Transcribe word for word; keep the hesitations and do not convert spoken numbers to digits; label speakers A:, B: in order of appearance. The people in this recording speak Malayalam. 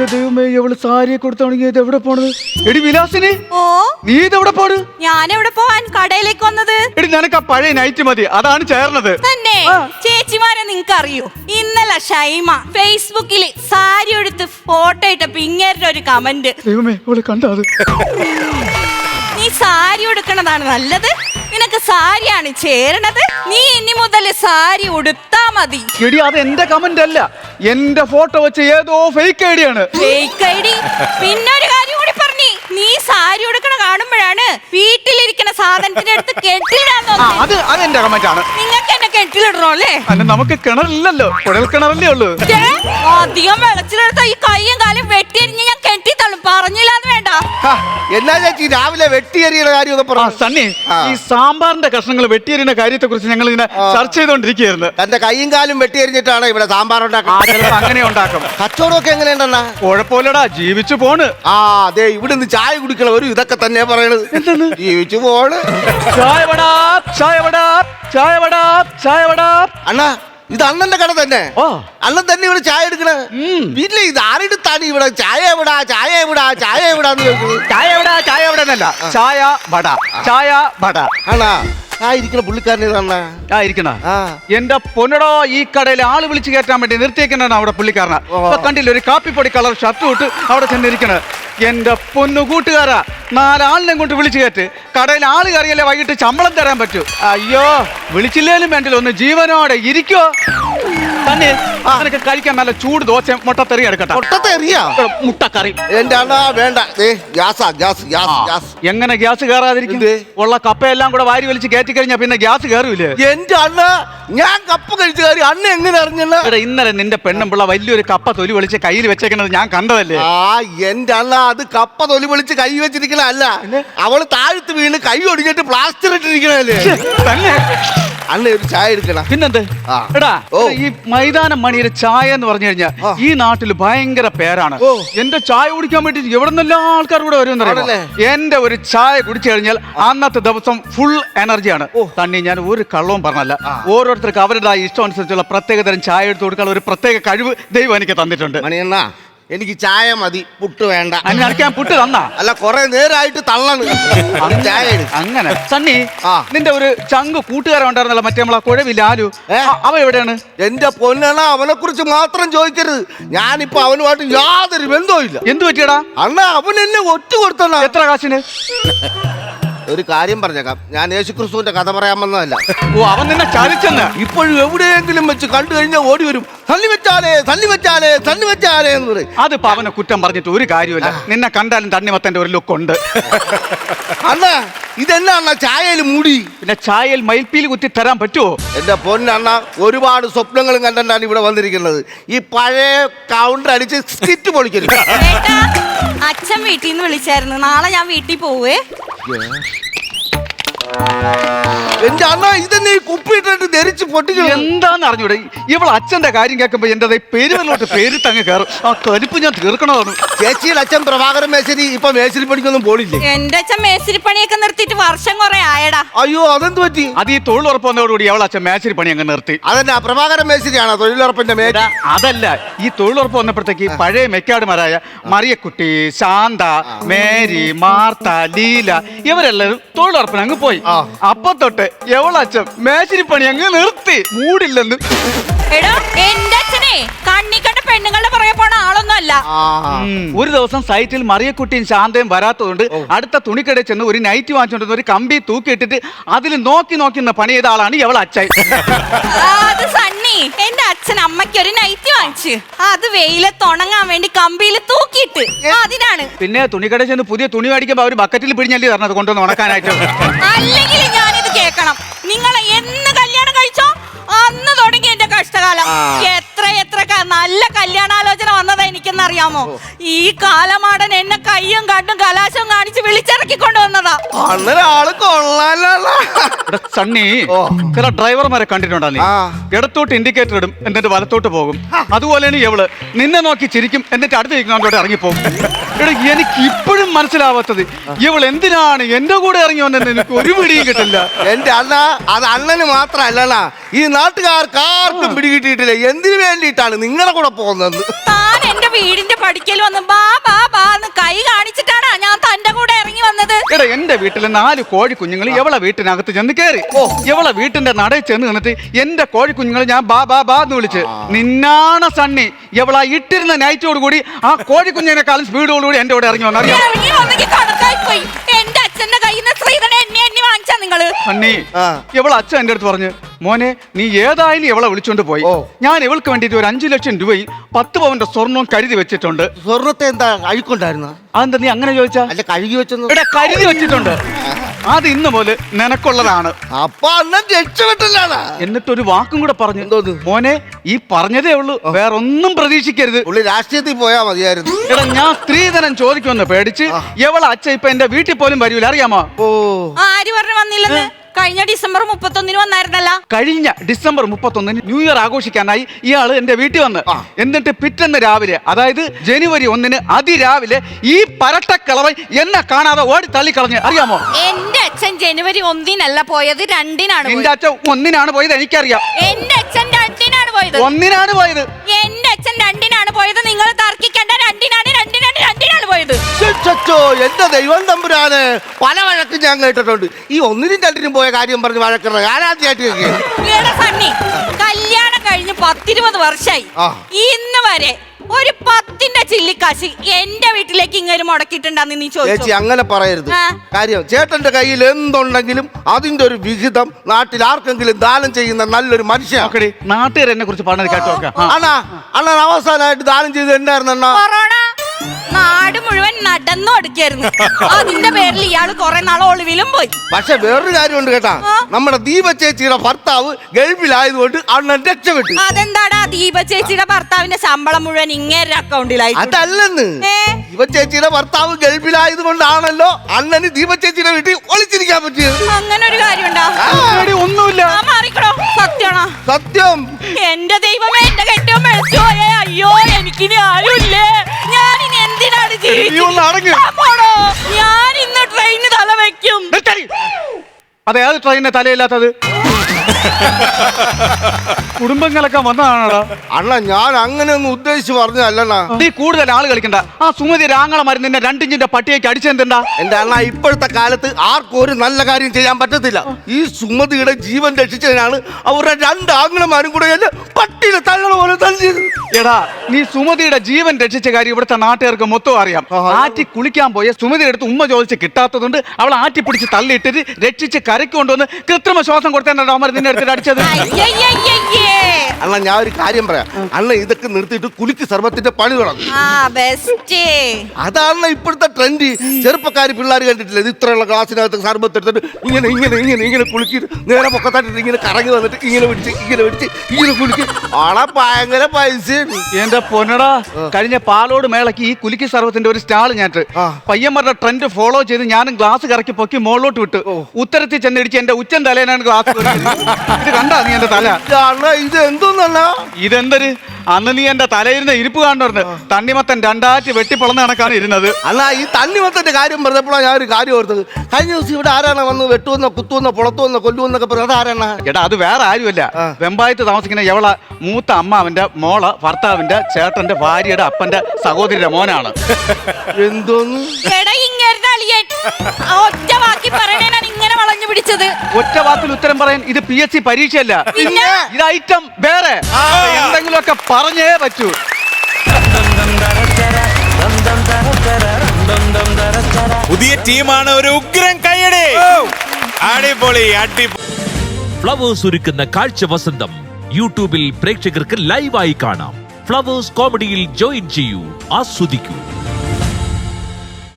A: എന്റെ ദൈവമേ, എവള് സാരിയെ കൊടുത്താണെങ്കിൽ ഇത് എവിടെ പോണത്? എടി വിലാസിനി,
B: ഓ
A: നീ ഇതെവിടെ പോണ്?
B: ഞാൻ എവിടെ പോവാൻ? കടയിലേക്ക് വന്നത്.
A: എടി നിനക്ക് ആ പഴയ നൈറ്റ് മതി, അതാണ് ചേർന്നത്.
B: തന്നെ ചേച്ചിമാരെ നിങ്ങക്ക് അറിയോ? ഇന്നലെ ഷൈമ ഫേസ്ബുക്കിൽ സാരി എടുത്ത് ഫോട്ടോ ഇട്ടപ്പോ ഇങ്ങേരുടെ ഒരു കമന്റ്.
A: ദൈവമേ, അവള് കണ്ടോ അത്?
B: നീ സാരി ഉടുക്കണതാണ് നല്ലത്, നിനക്ക് സാരിയാണ് ചേരണത്, നീ ഇനി മുതൽ സാരി ഉടുത്താ മതി.
A: എടി അത് എന്റെ കമന്റ് അല്ല, എന്റെ ഫോട്ടോ വെച്ച് ഏതോ ഫേക്ക് ഐഡിയ ആണ്.
B: Fake ID. പിന്നെ ഒരു കാര്യം കൂടി പറഞ്ഞി, നീ സാരി ഉടുക്കണ കാണുമ്പോഴാണ് വീട്ടിലിരിക്കുന്ന സാധനത്തിന്റെ അടുത്ത് കെട്ടിടാൻ തോന്നുന്നത്.
A: അത് അതെന്റെ കമന്റ് ആണ്.
B: നിങ്ങൾക്ക് എന്നെ കെട്ടിലിടണോ അല്ലേ?
A: അല്ല, നമുക്ക് കിണറില്ലല്ലോ, കുഴൽ കിണറല്ലേ ഉള്ളൂ.
B: അധികം വെള്ളത്തിലെടുത്ത ഈ കയ്യും കാലും വെട്ടിയരിഞ്ഞ് ഞാൻ കെട്ടിത്തള്ളും. പറഞ്ഞില്ലാന്ന് വേണ്ട.
C: എന്നാ ചേച്ചി രാവിലെ വെട്ടിയറിയുടെ കാര്യം
A: സണ്ണി, ഈ സാമ്പാറിന്റെ കഷ്ണങ്ങൾ വെട്ടിയരിയുന്ന കാര്യത്തെ കുറിച്ച് ഞങ്ങൾ ഇങ്ങനെ ചർച്ച ചെയ്തോണ്ടിരിക്കുകയായിരുന്നു.
C: തന്റെ കൈയും കാലും വെട്ടിയരിഞ്ഞിട്ടാണ് ഇവിടെ സാമ്പാർ ഉണ്ടാക്കുന്നത്.
A: അങ്ങനെ ഉണ്ടാക്കും.
C: കച്ചവടമൊക്കെ എങ്ങനെയുണ്ടെന്നാ?
A: കുഴപ്പമില്ലടാ, ജീവിച്ചു പോണ്.
C: ആ അതെ, ഇവിടുന്ന് ചായ കുടിക്കണ ഒരു ഇതൊക്കെ തന്നെ പറയണത്.
A: എന്താണ്?
C: ജീവിച്ചു പോണ്.
A: ചായ വടാ, ചായ വടാ, ചായ വടാ, ചായ വടാ.
C: അണ്ണാ, ഇത് അണ്ണന്റെ കട തന്നെ. അണ്ണൻ തന്നെ ഇവിടെ ചായ എടുക്കണ വീട്ടിലെ. ഇത് ആരെടുത്താണ് ഇവിടെ ചായ എവിടാ, ചായ എവിടാ, ചായ എവിടാന്ന് ചോദിക്കുന്നത്?
A: ചായ എവിടാ, ചായ എവിടെ എന്നല്ല, ചായ വട, ചായ വട.
C: ആണാ ആ ഇരിക്കണ പുള്ളിക്കാരൻ ഇതണ്ണാ?
A: ആ ഇരിക്കണ എന്റെ പൊന്നടോ, ഈ കടയിൽ ആള് വിളിച്ചു കയറ്റാൻ വേണ്ടി നിർത്തിയേക്കണ അവിടെ പുള്ളിക്കാരനാ. കണ്ടില്ല, ഒരു കാപ്പിപ്പൊടി കളർ ഷർട്ട് ഇട്ട് അവിടെ ചെന്നിരിക്കണ. എന്റെ പൊന്നു കൂട്ടുകാരാ, നാലാളിനെ കൊണ്ട് വിളിച്ചു കയറ്റ്. കടയിൽ ആള് കയറിയല്ലേ വൈകിട്ട് ശമ്പളം തരാൻ പറ്റൂ. അയ്യോ, വിളിച്ചില്ലേലും വേണ്ടില്ല, ഒന്ന് ജീവനോടെ ഇരിക്കോ. തന്നെ അതിനൊക്കെ കഴിക്കാൻ നല്ല ചൂട് ദോശ മുട്ടത്തെറി എടുക്കട്ടെ.
C: മുട്ടത്തെറിയാ?
A: മുട്ടക്കറി
C: എന്റെ അണ്ണാ വേണ്ട. ഗ്യാസാ, ഗ്യാസ്, ഗ്യാസ്, ഗ്യാസ്.
A: എങ്ങനെ ഗ്യാസ് കയറാതിരിക്കും? ഉള്ള കപ്പയെല്ലാം കൂടെ വാരി വലിച്ച് കയറ്റി കഴിഞ്ഞാ പിന്നെ ഗ്യാസ് കയറൂലേ?
C: എന്റെ അണ്ണ, ഞാൻ കപ്പ കഴിച്ച കാര്യം അണ്ണ എങ്ങനെ അറിഞ്ഞല്ല?
A: ഇന്നലെ നിന്റെ പെണ്ണുമ്പിള്ള വലിയൊരു കപ്പ തൊലി വിളിച്ച് കയ്യിൽ വെച്ചേക്കണത് ഞാൻ കണ്ടതല്ലേ?
C: ആ എന്റെ അണ്ണ, അത് കപ്പ തൊലി വിളിച്ച് കൈ വെച്ചിരിക്കണ അല്ല, അവള് താഴ്ത്ത് വീണ് കൈ ഒടിഞ്ഞിട്ട് പ്ലാസ്റ്റർ ഇട്ടിരിക്കണല്ലേ.
A: തന്നെ
C: അണ്ണ ഒരു ചായ എടുക്കണ.
A: പിന്നെന്ത്? എടാ, ഈ മൈതാനം മണിയുടെ ചായ എന്ന് പറഞ്ഞു കഴിഞ്ഞാൽ ഈ നാട്ടിൽ ഭയങ്കര പേരാണ്. എന്റെ ചായ കുടിക്കാൻ വേണ്ടി എവിടെ നിന്നെല്ലാം ആൾക്കാർ കൂടെ വരുമെന്നറിയാം. എന്റെ ഒരു ചായ കുടിച്ചു കഴിഞ്ഞാൽ അന്നത്തെ ദിവസം ഫുൾ എനർജിയാണ്. തന്നെ ഞാൻ ഒരു കള്ളവും പറഞ്ഞല്ല, ഓരോരുത്തർക്ക് അവരുടെ ഇഷ്ടം അനുസരിച്ചുള്ള പ്രത്യേകതരം ചായ എടുത്തു കൊടുക്കാനുള്ള ഒരു പ്രത്യേക കഴിവ് ദൈവം എനിക്ക് തന്നിട്ടുണ്ട്.
C: മണിയണ്ണ, എനിക്ക് ചായ മതി, പുട്ട് വേണ്ട.
A: ഞാൻ പുട്ട് തന്നാ?
C: അല്ല, കൊറേ നേരമായിട്ട് തള്ളാണ് ചായ.
A: അങ്ങനെ സണ്ണി, നിന്റെ ഒരു ചങ്ക് കൂട്ടുകാരൻ ഉണ്ടായിരുന്നല്ലോ, മറ്റേ നമ്മളെ കുഴവില്ല ആലു, അവ എവിടെയാണ്?
C: എന്റെ പൊന്നണ, അവനെ കുറിച്ച് മാത്രം ചോദിക്കരുത്. ഞാനിപ്പോ അവനുമായിട്ട് യാതൊരു ബന്ധവും ഇല്ല.
A: എന്ത് പറ്റിയടാ?
C: അണ്ണ, അവൻ എന്നെ ഒറ്റ കൊടുത്തണ.
A: എത്ര കാശിന്?
C: ഒരു കാര്യം പറഞ്ഞേക്കാം, ഞാൻ യേശുക്രിസ്തുവിന്റെ കഥ പറയാൻ വന്നതല്ല.
A: ഓ, അവൻ നിന്നെ ചതിച്ചെന്ന്.
C: ഇപ്പോഴും എവിടെയെങ്കിലും വെച്ച് കണ്ടു കഴിഞ്ഞാൽ ഓടി വരും, തള്ളി വെച്ചാലേ തള്ളി വെച്ചാലേ തള്ളി വെച്ചാലേ എന്ന് പറയും.
A: അതിപ്പോ അവനെ കുറ്റം പറഞ്ഞിട്ട് ഒരു കാര്യമില്ല. നിന്നെ കണ്ടാലും തണ്ണിമത്തന്റെ ഒരു ലുക്ക് ഉണ്ട്.
C: അണ്ണ, ഇതെന്നാ ചായയിൽ മൂടി?
A: പിന്നെ ചായയിൽ മയിൽപ്പീലി കുത്തി തരാൻ പറ്റുമോ?
C: എന്റെ പൊന്നണ്ണ, ഒരുപാട് സ്വപ്നങ്ങളും കണ്ടാണ് ഇവിടെ വന്നിരിക്കുന്നത്. ഈ പഴയ കൗണ്ടർ അടിച്ച് സ്കിറ്റ് പൊളിക്കരുത്.
B: അച്ഛൻ വീട്ടിൽ നിന്ന് വിളിച്ചായിരുന്നു, നാളെ ഞാൻ വീട്ടിൽ പോവേ.
C: എന്റെ അണ്ണ, ഇതെന്നെ ഈ കുപ്പിയിട്ടിട്ട് ധരിച്ച് പൊട്ടിക്കണം.
A: എന്താന്ന് അറിഞ്ഞൂടെ? ഇവൾ അച്ഛന്റെ കാര്യം കേൾക്കുമ്പോ എന്റെ പേരുകളിലോട്ട് പേര് തങ്ങ് കയറും. ആ കലിപ്പ് ഞാൻ തീർക്കണതാണ്.
C: ചേച്ചിയുടെ അച്ഛൻ പ്രഭാകരൻ മേശരി ഇപ്പൊ മേശരി പണിക്കൊന്നും പോണില്ലേ?
B: എന്റെ അച്ഛൻ മേശരി പണിയൊക്കെ നിർത്തിയിട്ട് വർഷം കുറെ ആയടാ.
C: അയ്യോ, അതെന്ത് പറ്റി?
A: അത് ഈ തൊഴിലുറപ്പ് വന്നതോടുകൂടി അവൾ അച്ഛൻ മേശരി പണി അങ്ങ് നിർത്തി.
C: അതന്നെ, പ്രഭാകരൻ മേശരിയാണോ തൊഴിലുറപ്പിന്റെ മേശ?
A: അതല്ല, ഈ തൊഴിലുറപ്പ് വന്നപ്പോഴത്തേക്ക് പഴയ മെക്കാടുമാരായ മറിയക്കുട്ടി, ശാന്ത, മേരി, മാർത്ത, ലീല ഇവരെല്ലാരും തൊഴിലുറപ്പിന് അങ്ങ് പോയി. അപ്പൊ തൊട്ട് എവളച്ഛൻ മേശരി പണി അങ്ങ് നിർത്തി. മൂടില്ലെന്ന്.
B: എടാ, എന്റെ അച്ഛനെ കണ്ണി കണ്ട പെണ്ണുങ്ങളുടെ പുറകെ പോണ ആളൊന്നും അല്ല.
A: ഒരു ദിവസം സൈറ്റിൽ മറിയക്കുട്ടിയും ശാന്തയും വരാത്തതുകൊണ്ട് അടുത്ത തുണിക്കടയിൽ ചെന്ന് ഒരു നൈറ്റ് വാങ്ങിച്ചോണ്ട് ഒരു കമ്പി തൂക്കിയിട്ടിട്ട് അതിൽ നോക്കി നോക്കി പണി ചെയ്ത ആളാണ് എവള അച്ഛൻ.
B: അത് സണ്ണി, എന്റെ അച്ഛൻ അമ്മയ്ക്ക് ഒരു നൈറ്റ് വാങ്ങിച്ചു, അത് വെയിലത്ത് ഉണങ്ങാൻ വേണ്ടി കമ്പിയിൽ തൂക്കിയിട്ട് അതിനാണ്.
A: പിന്നെ തുണിക്കടയിൽ ചെന്ന് പുതിയ തുണി മേടിക്കുമ്പോ അവര് ബക്കറ്റിൽ പിടിഞ്ഞല്ലേ പറഞ്ഞത് കൊണ്ടുവന്ന് ഉണക്കാനായിട്ട്.
B: അല്ലെങ്കിൽ ഞാനിത് കേൾക്കണം. നിങ്ങളെ എന്ന് കല്യാണം കഴിച്ചോ അന്ന് തുടങ്ങി എന്റെ കഷ്ടകാലം. എത്ര എത്ര നല്ല കല്യാണാലോചന വന്നതാ എനിക്കെന്നറിയാമോ? ഈ കാലമാടൻ എന്നെ കയ്യും കണ്ടും കലാശവും കാണിച്ച് വിളിച്ചിറക്കി കൊണ്ടുവന്നതാ.
A: സണ്ണി, ചില ഡ്രൈവർമാരെ കണ്ടിട്ടുണ്ടോ നീ? ഇടത്തോട്ട് ഇൻഡിക്കേറ്റർ ഇടും, എന്നിട്ട് വലത്തോട്ട് പോകും. അതുപോലെയാണ് ഇവള്. നിന്നെ നോക്കി ചിരിക്കും, എന്നിട്ട് അടുത്ത് ഇരിക്കുന്നോട്ട് ഇറങ്ങിപ്പോകും. എടാ, എനിക്ക് ഇപ്പോഴും മനസ്സിലാവാത്തത് ഇവൾ എന്തിനാണ് എന്റെ കൂടെ ഇറങ്ങി വന്നെന്ന് എനിക്ക് ഒരു പിടിയും കിട്ടില്ല.
C: എന്റെ അണ്ണ, അത് അണ്ണന് മാത്രല്ല, ഈ നാട്ടുകാർക്ക് ആർക്കും പിടികിട്ടിയിട്ടില്ല എന്തിനു വേണ്ടിയിട്ടാണ് നിങ്ങളുടെ കൂടെ പോകുന്നത്.
B: താൻ എന്റെ വീടിന്റെ പടിക്കൽ വന്ന് ബാ ബാ ബാ എന്ന് കൈ കാണിച്ചിട്ടാണ് ഞാൻ തന്റെ കൂടെ ഇറങ്ങി വന്നത്.
A: എടാ എന്റെ വീട്ടിലെ നാല് കോഴി കുഞ്ഞുങ്ങൾ എവളെ വീട്ടിനകത്ത് ചെന്ന് കയറി. എവളെ വീട്ടിന്റെ നടയിൽ ചെന്ന് നിന്നിട്ട് എന്റെ കോഴി കുഞ്ഞുങ്ങൾ ഞാൻ ബാ ബാ ബാ എന്ന് വിളിച്ച് നിന്നാണ സണ്ണി എവളാ ഇട്ടിരുന്ന നൈറ്റോട് കൂടി ആ കോഴി കുഞ്ഞിനെക്കാളും സ്പീഡോടുകൂടി എന്റെ കൂടെ ഇറങ്ങി വന്നു.
B: ഇറങ്ങി വന്നെങ്കിൽ കണക്കായി പോയി. എന്റെ അച്ഛന്റെ കയ്യിൽ നിന്ന് ശ്രീധരനെ എന്നെ എണ്ണി വാങ്ങിച്ചാ നിങ്ങള്.
A: സണ്ണി എവളെ അച്ഛൻ എന്റെ അടുത്ത് പറഞ്ഞു, മോനെ നീ ഏതായാലും എവളെ വിളിച്ചോണ്ട് പോയി. ഞാൻ ഇവൾക്ക് വേണ്ടിട്ട് ഒരു അഞ്ചു ലക്ഷം രൂപയും പത്ത് പവന്റെ സ്വർണവും കരുതി വെച്ചിട്ടുണ്ട്.
C: സ്വർണത്തെ എന്താ അഴുക്കുണ്ടായിരുന്ന?
A: അതെന്താ നീ അങ്ങനെ ചോദിച്ചാ?
C: അല്ല കഴുകി വെച്ചൊന്നും.
A: എടാ കരുതി വെച്ചിട്ടുണ്ട്. അത് ഇന്ന് മുതൽ നിനക്കുള്ളതാണ്.
C: അപ്പൊ അണ്ണൻ രക്ഷപ്പെട്ടില്ലാണ്.
A: എന്നിട്ടൊരു വാക്കും കൂടെ പറഞ്ഞു,
C: എന്തോന്ന്?
A: മോനെ ഈ പറഞ്ഞതേ ഉള്ളൂ, വേറൊന്നും പ്രതീക്ഷിക്കരുത്.
C: പുള്ളി രാഷ്ട്രീയത്തിൽ പോയാ മതിയായിരുന്നു.
A: എടാ ഞാൻ സ്ത്രീധനം ചോദിക്കുമെന്ന് പേടിച്ച് എവളെ അച്ഛൻ ഇപ്പൊ എന്റെ വീട്ടിൽ പോലും വരൂല, അറിയാമോ?
C: ഓ
B: ആര് പറഞ്ഞു വന്നില്ലെന്ന്? കഴിഞ്ഞ ഡിസംബർ മുപ്പത്തൊന്നിന് വന്നായിരുന്നല്ല.
A: കഴിഞ്ഞ ഡിസംബർ മുപ്പത്തൊന്നിന് ന്യൂ ഇയർ ആഘോഷിക്കാനായി ഇയാള് എന്റെ വീട്ടിൽ വന്ന്, എന്നിട്ട് പിറ്റേന്ന് രാവിലെ അതായത് ജനുവരി ഒന്നിന് അതിരാവിലെ ഈ പരട്ടക്കിളവൻ എന്നെ കാണാതെ ഓടി തള്ളിക്കളഞ്ഞ്, അറിയാമോ?
B: എന്റെ അച്ഛൻ ജനുവരി ഒന്നിനല്ല പോയത്, രണ്ടിനാണ്.
A: എന്റെ അച്ഛൻ ഒന്നിനാണ് പോയത്, എനിക്കറിയാം.
B: എന്റെ അച്ഛൻ രണ്ടിനാണ് പോയത്.
A: ഒന്നിനാണ് പോയത്.
B: എന്റെ അച്ഛൻ രണ്ടിനാണ് പോയത്. നിങ്ങൾ തർക്കിക്കേണ്ട. രണ്ടിനാണ് രണ്ടിനാണ് രണ്ടിനാണ് പോയത്.
C: എന്റെ ദൈവം തമ്പുരാന്, പല വഴക്കും ഞാൻ കേട്ടിട്ടുണ്ട്. ഈ ഒന്നിനും രണ്ടിനും പോയ കാര്യം പറഞ്ഞ് വഴക്കുന്നത് ഞാൻ ആദ്യമായിട്ട്
B: കേൾക്കുകയാണ്. കല്യാണം കഴിഞ്ഞ് പത്തിരുപത് വർഷമായി, ഇന്ന് വരെ ഒരു പത്തിന്റെ ചില്ലിക്കാശ് എന്റെ വീട്ടിലേക്ക് ഇങ്ങനെ മുടക്കിയിട്ടുണ്ടെന്ന് നീ ചോദിച്ചു.
C: അങ്ങനെ പറയരുത്. കാര്യം ചേട്ടന്റെ കയ്യിൽ എന്തുണ്ടെങ്കിലും അതിന്റെ ഒരു വിഹിതം നാട്ടിൽ ആർക്കെങ്കിലും ദാനം ചെയ്യുന്ന നല്ലൊരു മനുഷ്യൻ.
A: നാട്ടുകാർ എന്നെ കുറിച്ച് പറഞ്ഞത് കേട്ടോ.
C: അണ്ണാ അണ്ണൻ അവസാനമായിട്ട് ദാനം ചെയ്ത് എന്തായിരുന്നു?
B: കൊറോണ. നാട് മുഴുവൻ നടന്നു കൊടുക്കായിരുന്നു. അതിന്റെ പേരിൽ ഇയാള് കുറെ നാൾ ഒളിവിലും പോയി.
C: പക്ഷെ വേറൊരു കാര്യമുണ്ട് കേട്ടാ, നമ്മുടെ ദീപ ചേച്ചിയുടെ ഭർത്താവ് ഗൾഫിലായതുകൊണ്ട് അണ്ണൻ രക്ഷപ്പെട്ടു.
B: അതെന്താടാ? ദീപ ചേച്ചിയുടെ ഭർത്താവിന്റെ ശമ്പളം മുഴുവൻ ഇങ്ങേരുടെ അക്കൗണ്ടിലായി.
C: അതല്ലെന്ന്, ദീപ ചേച്ചിയുടെ ഭർത്താവ് ഗൾഫിലായത് കൊണ്ടാണല്ലോ അണ്ണന് ദീപ ചേച്ചിയുടെ വീട്ടിൽ ഒളിച്ചിരിക്കാൻ പറ്റിയത്.
B: അങ്ങനെ ഒരു കാര്യമുണ്ടോ?
A: ഒന്നുമില്ല.
B: മാറിക്കടോ. സത്യമാണോ?
C: സത്യം.
B: എന്റെ ദൈവമേ, എന്റെ കെട്ടിയോ മരിച്ചു പോയേ. അയ്യോ എനിക്കിനി ആരുമില്ലേ. ഞാനിനി എന്തിനാണ് ജീവിക്കുന്നത്? ഞാൻ ഇന്ന് ട്രെയിന് തല വെക്കും.
A: അതെ, അത് ട്രെയിനിന് തലയില്ലാത്തത് കുടുംബങ്ങളൊക്കെ വന്നതാണോടാ?
C: അണ്ണ ഞാൻ അങ്ങനെ ഒന്നും ഉദ്ദേശിച്ച് പറഞ്ഞതല്ലണ്ണ.
A: നീ കൂടുതൽ ആള് കളിക്കണ്ട. ആ സുമതി രാങ്ങള മരുന്നിന്റെ രണ്ടിഞ്ചിന്റെ പട്ടിയേക്ക് അടിച്ചെന്താ?
C: എന്റെ അണ്ണ ഇപ്പോഴത്തെ കാലത്ത് ആർക്കും ഒരു നല്ല കാര്യം ചെയ്യാൻ പറ്റത്തില്ല. ഈ സുമതിയുടെ ജീവൻ രക്ഷിച്ചതിനാണ് അവരുടെ രണ്ട് ആങ്ങളമാരും കൂടെ എന്നെ പട്ടിയിലെ തള്ള പോലെ തല്ലിയത്.
A: എടാ നീ സുമതിയുടെ ജീവൻ രക്ഷിച്ച കാര്യം ഇവിടുത്തെ നാട്ടുകാർക്ക് മൊത്തം അറിയാം. ആറ്റി കുളിക്കാൻ പോയ സുമതിയുടെ അടുത്ത് ഉമ്മ ചോദിച്ച് കിട്ടാത്തതുകൊണ്ട് അവൾ ആറ്റി പിടിച്ച് തള്ളിയിട്ടിട്ട് രക്ഷിച്ച് കരയ്ക്ക് കൊണ്ടുവന്ന് കൃത്രിമ ശ്വാസം കൊടുത്തേണ്ട അവന്മാർ നിന്നെ എടുത്തിട്ട് അടിച്ചത്.
C: അണ്ണ ഞാൻ ഒരു കാര്യം പറയാം. അണ്ണ ഇതൊക്കെ നിർത്തിയിട്ട് കുലിക്ക് സർവത്തിന്റെ പണി തുടങ്ങും. അതാണ് ഇപ്പോഴത്തെ ട്രെൻഡ്. ചെറുപ്പക്കാര് പിള്ളേർ കണ്ടിട്ടില്ല, ഇത് ഇത്രയുള്ള ഗ്ലാസിനകത്ത് സർബത്ത് എടുത്തിട്ട് ഇങ്ങനെ ഇങ്ങനെ ഇങ്ങനെ ഇങ്ങനെ കുളിക്കിട്ട് നേരെ പൊക്കത്തായിട്ട് ഇങ്ങനെ കറങ്ങി വന്നിട്ട് ഇങ്ങനെ പിടിച്ച് ഇങ്ങനെ പിടിച്ച് ഇങ്ങനെ കുളിക്കും. ആളെ ഭയങ്കര പൈസ.
A: എന്റെ പൊന്നടാ, കഴിഞ്ഞ പാലോട് മേളക്ക് ഈ കുലിക്ക് സർവത്തിന്റെ ഒരു സ്റ്റാൾ ഞാറ്റ് പയ്യന്മാരുടെ ട്രെൻഡ് ഫോളോ ചെയ്ത് ഞാനും ഗ്ലാസ് കറക്കി പൊക്കി മുകളിലോട്ട് വിട്ട് ഉത്തരത്തിൽ ചെന്നിടിച്ച് എന്റെ ഉച്ചൻ തലേനാണ് ഗ്ലാസ്. ഇത് കണ്ടാ നീ എന്റെ തല?
C: ഇത് എന്തോന്നല്ല,
A: ഇതെന്തൊരു അന്ന് നീ എന്റെ തലയിരുന്ന ഇരിപ്പ് കാണുന്നു. തണ്ണിമത്തൻ രണ്ടാറ്റ് വെട്ടിപ്പൊളന്ന കണക്കാണ് ഇരുന്നത്.
C: അല്ല ഈ തണ്ണിമത്തന്റെ കാര്യം പറഞ്ഞപ്പോഴാണ് ഞാൻ ഒരു കാര്യം ഓർത്തത്. കഴിഞ്ഞ ദിവസം ഇവിടെ ആരാണ് വന്ന് വെട്ടുവെന്നോ കുത്തുവെന്നോ പൊളത്തുവെന്നോ കൊല്ലുവെന്നൊക്കെ പറഞ്ഞത്? ആരാണ്?
A: എടാ അത് വേറെ ആരുമല്ല, വെമ്പായത്ത് താമസിക്കുന്ന എവള മൂത്ത അമ്മാവന്റെ മോള ഭർത്താവിന്റെ ചേട്ടന്റെ ഭാര്യയുടെ അപ്പന്റെ സഹോദരിയുടെ മോനാണ്.
C: എന്തോന്ന്
B: ഒറ്റ വാക്കി പറയണേനാണ് ഇങ്ങനെ വളഞ്ഞു പിടിച്ചത്.
A: ഒറ്റ വാക്കിൽ ഉത്തരം പറയാൻ ഇത് പി എസ് സി പരീക്ഷയല്ല, ഇത് ഐറ്റം വേറെ. എന്തെങ്കിലുമൊക്കെ പറഞ്ഞേ പറ്റൂ.
D: പുതിയ ടീമാണ്, ഒരു ഉഗ്രൻ കയ്യടി. അടിപൊളി അടിപൊളി.
E: ഫ്ലവേഴ്സ് ഒരുക്കുന്ന കാഴ്ച വസന്തം യൂട്യൂബിൽ പ്രേക്ഷകർക്ക് ലൈവായി കാണാം. ഫ്ലവേഴ്സ് കോമഡിയിൽ ജോയിൻ ചെയ്യൂ, ആസ്വദിക്കൂ.